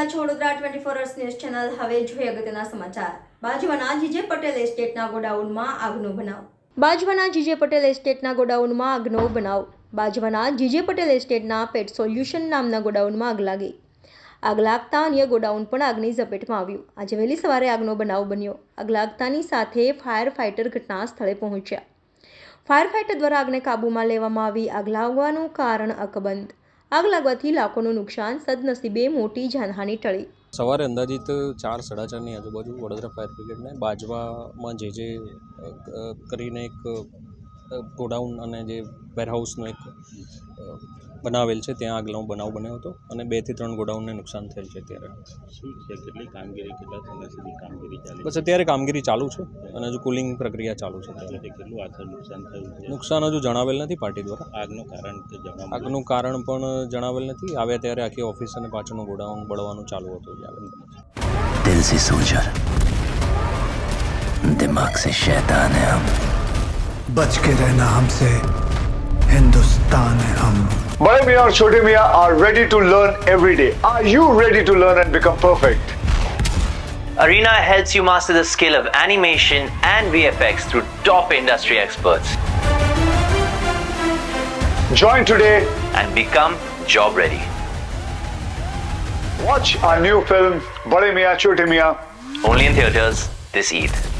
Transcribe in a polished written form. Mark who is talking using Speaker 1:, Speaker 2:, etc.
Speaker 1: રહ્યા છો Vadodara 24 hours news channel. હવે જોઈએ અગત્યના સમાચાર. બાજવાના જીજે પટેલ એસ્ટેટના ગોડાઉનમાં આગનો બનાવ. બાજવાના જીજે પટેલ એસ્ટેટના ગોડાઉનમાં આગનો બનાવ. બાજવાના જીજે પટેલ એસ્ટેટના પેટ સોલ્યુશન નામના ગોડાઉનમાં આગ લાગી. આગ લાગતા અન્ય ગોડાઉન પણ આગની ઝપેટમાં આવ્યું. આજે વહેલી સવારે આગનો બનાવ બન્યો. આગ લાગતાની સાથે ફાયર ફાઇટર ઘટના સ્થળે પહોંચ્યા. ફાયર ફાઇટર દ્વારા આગને કાબૂમાં લેવામાં આવી. આગ લાગવાનું કારણ અકબંધ. આગ લાગવાથી લાખોનું નુકસાન, સદનસીબે મોટી જાનહાનિ ટળી.
Speaker 2: સવારે અંદાજિત 4-4:30ની આજુબાજુ વડોદરા ફાયર બ્રિગેડને બાજવામાં જે કરીને એક ગોડાઉન અને જે વેરહાઉસનો એક બનાવેલ છે ત્યાં આગનો બનાવ બન્યો હતો અને 2 થી 3 ગોડાઉનને નુકસાન થયેલ છે. ત્યારે
Speaker 3: શું છે, કેટલી કામગીરી, કેટલા સમય સુધી કામગીરી ચાલી?
Speaker 2: બસ અત્યારે કામગીરી ચાલુ છે અને હજુ કુલિંગ પ્રક્રિયા ચાલુ છે.
Speaker 3: કેટલું આખર નુકસાન થયું છે?
Speaker 2: નુકસાન હજુ જણાવેલ નથી પાર્ટી દ્વારા.
Speaker 3: આગનું કારણ કે
Speaker 2: આગનું કારણ પણ જણાવેલ નથી. આવ્યા ત્યારે આખી ઓફિસ અને પાછળનું ગોડાઉન બળવાનું ચાલુ હતું.
Speaker 4: दिल से सोचर, दिमाग से शैतान है हम.
Speaker 5: बच के रहना हमसे, हिंदुस्तान है हम.
Speaker 6: Bade Miyan और Chote Miyan are ready to learn every day. Are you ready to learn and become perfect?
Speaker 7: Arena helps you master the skill of animation and VFX through top industry experts
Speaker 6: Join today.
Speaker 7: and become job ready.
Speaker 6: Watch our new film Bade Miyan Chote Miyan.
Speaker 7: Only in theaters this Eid.